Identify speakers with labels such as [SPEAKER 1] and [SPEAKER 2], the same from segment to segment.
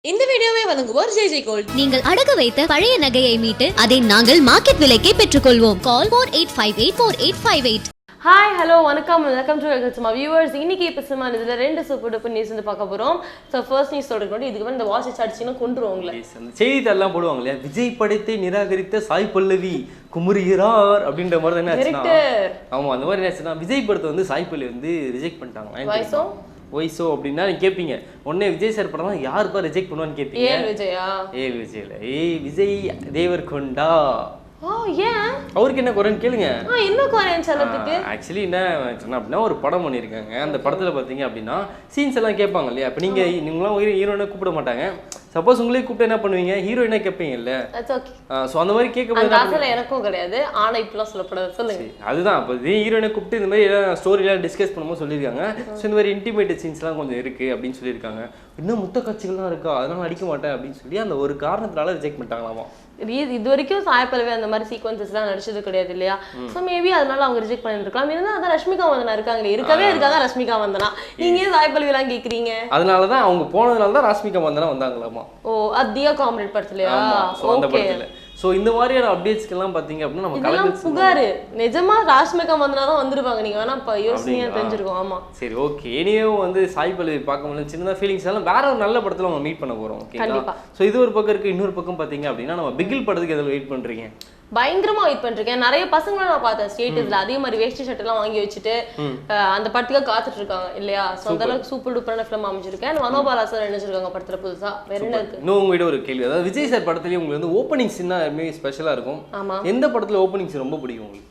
[SPEAKER 1] இந்த வீடியோவை வழங்குவோர் ஜெய் ஜெய் கோல்ட்.
[SPEAKER 2] நீங்கள் அடகு வைத்த பழைய நகையை மீட்டு அதை நாங்கள் மார்க்கெட் விலைக்கே பெற்றுக்கொள்வோம். கால் 48584858.
[SPEAKER 3] ஹாய் ஹலோ வணக்கம் டு வெல்கம் மை வியூவர்ஸ். இன்னைக்கு இப்போ சினிமா இதில் ரெண்டு சூப்பர் டூப்பர் நியூஸ் வந்து பார்க்க போகிறோம். ஸோ ஃபர்ஸ்ட் நியூஸ் சொல்கிறேன், இதுக்கு வந்து இந்த வாட்ச் அடிச்சுன்னா கொண்டுருவோம் உங்களை.
[SPEAKER 4] செய்தித்தாள்லாம் போடுவாங்க இல்லையா, விஜய் படத்தை நிராகரித்த சாய் பல்லவி குமுறுகிறார் அப்படின்ற மாதிரி என்ன ஆச்சுன்னா, ஆமாம் அந்த மாதிரி என்ன ஆச்சுன்னா, விஜய் படத்தை வந்து சாய் பல்லவி வந்து ரிஜெக்ட் பண்ணிட்டாங்க. ஒய்ஸோ அப்படின்னா நீங்க கேட்பீங்க, உடனே விஜய் சார் படம் யாருப்பா ரிஜெக்ட் பண்ணுவான்னு கேட்பீங்க. ஏல் விஜய்ல விஜய் தேவர்கொண்டா.
[SPEAKER 3] ஏன்
[SPEAKER 4] அவருக்கு என்ன குறைன்னு கேளுங்க.
[SPEAKER 3] என்ன குறைன்னு சொல்லறதுக்கு
[SPEAKER 4] ஆக்சுவலி என்ன சொன்னா அப்படின்னா, ஒரு படம் பண்ணியிருக்காங்க. அந்த படத்துல பாத்தீங்க அப்படின்னா சீன்ஸ் எல்லாம் கேட்பாங்க இல்லையா. இப்போ நீங்களாம் ஹீரோயினை கூப்பிட மாட்டாங்க. சப்போஸ் உங்களே கூப்பிட்டு என்ன பண்ணுவீங்க, ஹீரோயினா கேட்பீங்கல்ல. ஸோ அந்த மாதிரி கேட்கும்போது
[SPEAKER 3] எனக்கும் கிடையாது, ஆனா இப்பெல்லாம் சொல்லப்படாது. சொல்லுங்க.
[SPEAKER 4] அதுதான் இப்போ ஹீரோயினை கூப்பிட்டு இந்த மாதிரி ஸ்டோரிலாம் டிஸ்கஸ் பண்ணும்போது சொல்லியிருக்காங்க. ஸோ இந்த மாதிரி இன்டிமேட் சீன்ஸ்லாம் கொஞ்சம் இருக்கு அப்படின்னு சொல்லியிருக்காங்க. இன்னும் முத்த காட்சிகள்லாம் இருக்கா, அதனால அடிக்க மாட்டேன் அப்படின்னு சொல்லி அந்த ஒரு காரணத்தினால ரிஜெக்ட் பண்ணிட்டாங்களாமா.
[SPEAKER 3] இது வரைக்கும் சாய் பல்லவி அந்த மாதிரி சீக்வன்சஸ்லாம் நடிச்சது கிடையாது இல்லையா. ஸோ மேபி அதனால அவங்க ரிஜெக்ட் பண்ணிருக்கலாம். இருந்தால் அதான் ரஷ்மிகா வந்தனா இருக்காங்களே, இருக்காங்க ரஷ்மிகா வந்தனா. நீங்க ஏன் சாய் பல்லவி எல்லாம் கேட்குறீங்க?
[SPEAKER 4] அதனாலதான் அவங்க போனதுனால தான் ரஷ்மிகா வந்தனா வந்தாங்களாமா.
[SPEAKER 3] ஓ, தியா காமெடி படத்துலயா?
[SPEAKER 4] அந்த படத்துல. ஸோ இந்த மாதிரியான அப்டேட்ஸ்க்கெல்லாம் பார்த்தீங்க அப்படின்னா நம்ம
[SPEAKER 3] கலெக்ட் புகார் நிஜமா ராஷ்மிகா வந்தனா தான் வந்திருப்பாங்க. நீங்க வேணா இப்போ யோசனையா தெரிஞ்சிருக்கோம். ஆமா
[SPEAKER 4] சரி ஓகே. இனியும் வந்து சாய் பல்லவி பார்க்கும்போது சின்னதாக ஃபீலிங்ஸ் எல்லாம் வேற ஒரு நல்ல படத்தில் நம்ம மீட் பண்ண போகிறோம். ஓகேங்களா. ஸோ இது ஒரு பக்கம் இருக்கு. இன்னொரு பக்கம் பார்த்தீங்க அப்படின்னா நம்ம பிகில் படத்துக்கு எதில் வெயிட் பண்ணுறீங்க?
[SPEAKER 3] பயங்கரமா வெயிட் பண்ணிருக்கேன். நிறைய பசங்களை நான் பார்த்தேன் ஸ்டேட்டஸ்ல அதே மாதிரி வேஷ்டி ஷர்ட் எல்லாம் வாங்கி வச்சுட்டு அந்த படத்துக்காக காத்துட்டு இருக்காங்க இல்லையா. ஸோ அந்த அளவுக்கு சூப்பர் டூப்பரான ஃபிலிம் அமைஞ்சிருக்கேன். மனோபாலா சார் நினைச்சிருக்காங்க படத்துல புதுசா. வேற என்ன இருக்கு?
[SPEAKER 4] இன்னும் உங்ககிட்ட ஒரு கேள்வி, அதாவது விஜய் சார் படத்துலயே உங்களுக்கு வந்து ஓப்பனிங் சீன் ஸ்பெஷலா இருக்கும்.
[SPEAKER 3] ஆமா.
[SPEAKER 4] எந்த படத்துல ஓப்பனிங் சீன் ரொம்ப பிடிக்கும் உங்களுக்கு?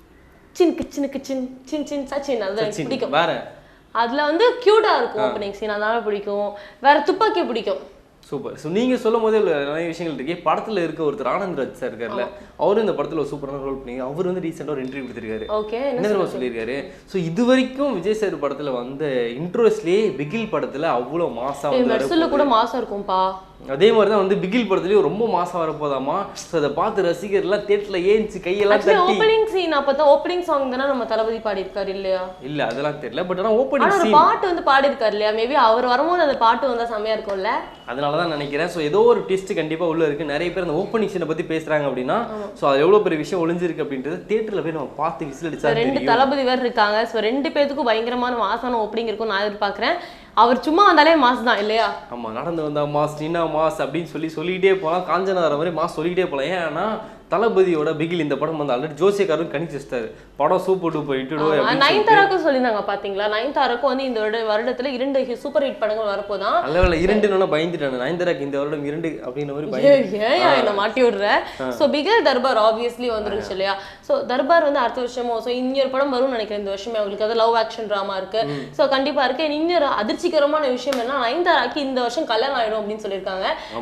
[SPEAKER 3] சின் சச்சின் அது பிடிக்கும்.
[SPEAKER 4] வேற
[SPEAKER 3] அதுல வந்து கியூட்டா இருக்கும் ஓப்பனிங் சீன், அதனால பிடிக்கும். வேற துப்பாக்கி பிடிக்கும்.
[SPEAKER 4] சூப்பர். ஸோ நீங்கள் சொல்லும் போதே நிறைய விஷயங்கள் இருக்கு. படத்தில் இருக்க ஒருத்தர் ஆனந்த்ராஜ் சார் இருக்கார்ல, அவரும் இந்த படத்தில் ஒரு சூப்பரான ரோல் பண்ணி அவர் வந்து ரீசெண்டாக ஒரு இன்டர்வியூ கொடுத்துருக்காரு. என்ன சொல்லியிருக்காரு, ஸோ இது வரைக்கும் விஜய் சார் படத்தில் வந்த இன்ட்ரோஸ்லேயே பிகில் படத்தில் அவ்வளோ மாசா வந்து
[SPEAKER 3] கூட மாசம் இருக்கும்பா.
[SPEAKER 4] அதே மாதிரி தான் வந்து பிகில் படத்துலயும் ரொம்ப மாசம் வரப்போதாமா. ஸோ அதை பார்த்து ரசிகர்லாம் தேட்டரில் ஏஞ்சி கையெல்லாம் தட்டி.
[SPEAKER 3] ஓப்பனிங் சீன் அப்பதான் ஓப்பனிங் சாங் தானே நம்ம தளபதி பாடி இருக்காரு இல்லையா?
[SPEAKER 4] இல்ல அதெல்லாம் தெரியல, பட் ஆனால் ஓப்பனிங் சீன்
[SPEAKER 3] பாட்டு வந்து பாடி இருக்காரு இல்லையா. மேபி அவர் வரும்போது அந்த பாட்டு வந்தா செமையா இருக்கும்ல,
[SPEAKER 4] அதனாலதான் நினைக்கிறேன். ஸோ ஏதோ ஒரு ட்விஸ்ட் கண்டிப்பா உள்ள இருக்கு. நிறைய பேர் அந்த ஓப்பனிங் சீனை பத்தி பேசுறாங்க அப்படின்னா, ஸோ அது எவ்வளவு பெரிய விஷயம் ஒளிஞ்சிருக்கு அப்படின்றது தேட்டர்ல போய் நம்ம பார்த்து விசில் அடிச்சா.
[SPEAKER 3] ரெண்டு தளபதி வேறு இருக்காங்க. ஸோ ரெண்டு பேருக்கும் பயங்கரமான மாசான ஓப்பனிங் இருக்கும் நான் எதிர்பார்க்கிறேன். அவர் சும்மா வந்தாலே மாஸ் தான் இல்லையா.
[SPEAKER 4] ஆமா, நடந்து வந்தா மாஸ், நின்னா மாஸ் அப்படின்னு சொல்லிக்கிட்டே போகலாம். காஞ்சனா வர மாதிரி மாஸ் சொல்லிக்கிட்டே போகலாம். ஏன்னா தளபதியோட பிகில் இந்த படம் வந்து ஆல்ரெடி ஜோசியக்காரரும் கணிச்சு வச்சிட்டாரு. படம் சூப்பர் டூப்பர் இட்டுடுவோம்.
[SPEAKER 3] நயன்தாராக்கும் சொல்லியிருந்தாங்க பாத்தீங்களா. நயன்தாராக்கும் வந்து இந்த வருடத்துல 2 சூப்பர் ஹிட் படங்கள் வரப்போதான்.
[SPEAKER 4] அல்ல 2 பயந்துட்டாங்க. நயன்தாராக்கு இந்த வருடம் 2 அப்படின்ற மாதிரி
[SPEAKER 3] என்ன மாட்டி விடுற. ஸோ பிகில் தர்பார் ஆப்வியஸ்லி வந்துருச்சு இல்லையா. ஸோ தர்பார் வந்து அடுத்த வருஷமோ ஸோ இன்னொரு படம் வரும்னு நினைக்கிறேன் இந்த வருஷமே. அவங்களுக்கு அது லவ் ஆக்ஷன் ட்ராமா இருக்கு. ஸோ கண்டிப்பா இருக்கு. இன்னொரு அதிர்ச்சிகரமான விஷயம் என்ன, நயன்தாராக்கு இந்த வருஷம் கல்யாணம் ஆயிடும் அப்படின்னு சொல்லியிருக்காங்க.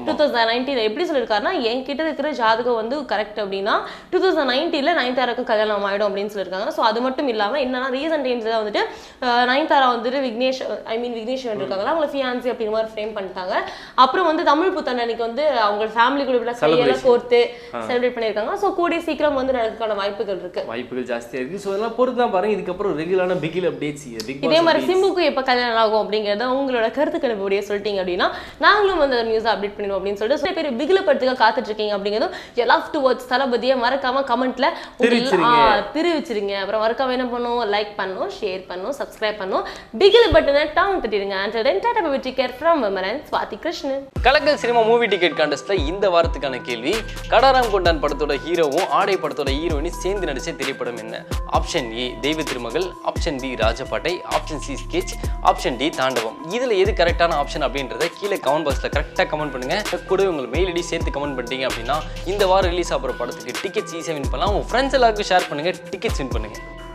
[SPEAKER 3] 2019 எப்படி சொல்லியிருக்காருன்னா, என்கிட்ட இருக்கிற ஜாதகம் வந்து கரெக்ட் அப்படின்னா 2019 நயன்தாராக்கு கல்யாணம் ஆயிடும் அப்படின்னு சொல்லியிருக்காங்க. ஸோ அது மட்டும் இல்லாமல் என்னன்னா ரீசன்ட் டைம்ஸ்ல வந்துட்டு நயன்தாரா வந்துட்டு விக்னேஷ் இருக்காங்களா, அவங்களை ஃபியான்சி அப்படிங்கிற மாதிரி ஃப்ரேம் பண்ணிட்டாங்க. அப்புறம் வந்து தமிழ் புத்தாண்டு வந்து அவங்க ஃபேமிலி கூட கையெல்லாம் கோர்த்து செலிப்ரேட் பண்ணியிருக்காங்க. ஸோ கூடிய சீக்கிரம் வந்து நடக்கிறதுக்கான வாய்ப்புகள்
[SPEAKER 4] ஜாஸ்தியா இருக்கு. ஸோ அதெல்லாம் பொறுத்து தான் பாருங்க. இதுக்கப்புறம் ரெகுலரான பிகில் அப்டேட்ஸ்
[SPEAKER 3] இதே மாதிரி சிம்புக்கு எப்போ கல்யாணம் ஆகும் அப்படிங்கிறத உங்களோட கருத்து கணிப்புடைய சொல்லிட்டீங்க அப்படின்னா நாங்களும் வந்து நியூஸ் அப்டேட் பண்ணிடுவோம் அப்படின்னு சொல்லிட்டு சில பேர் பிகில படத்துக்காக காத்துட்டு இருக்கீங்க அப்படிங்கிறதும் லவ் டு வாட்ச் தளபதியை மறக்காம கமெண்ட்ல தெரிவிச்சிருங்க. அப்புறம் மறக்காம என்ன பண்ணும், லைக் பண்ணும், ஷேர் பண்ணும், சப்ஸ்கிரைப் பண்ணும், பிகில் பட்டனை டான் தட்டிடுங்க. Until then, tata bye take care from Vimaran Swathi Krishnan.
[SPEAKER 4] Kalakkal cinema movie ticket கான்டெஸ்ட்ல இந்த வாரத்துக்கான கேள்வி, கடாராம் கொண்டான் படத்தோட ஹீரோவும் ஆடை படத்தோட ஹீரோயினும் சேர்ந்து நடிச்ச திரைப்படம் என்ன? Option A Deiva Thirumagal, option B Rajapattai, option C sketch, option D Thaandavam. இதுல எது கரெக்டான ஆப்ஷன் அப்படின்றத கீழே கமெண்ட் பாக்ஸ்ல கரெக்டா கமெண்ட் பண்ணுங்க. கூட உங்க மெயில் ஐடி சேர்த்து கமெண்ட் பண்ணிட்டீங்க அப்படின்னா இந்த வாரம் ரிலீஸ் ஆகிற படத்துக்கு டிக்கெட்ஸ் ஈஸியாக வின் பண்ணலாம். உங்கள் ஃப்ரெண்ட்ஸ் எல்லாருக்கும் ஷேர் பண்ணுங்கள், டிக்கெட்ஸ் வின் பண்ணுங்கள்.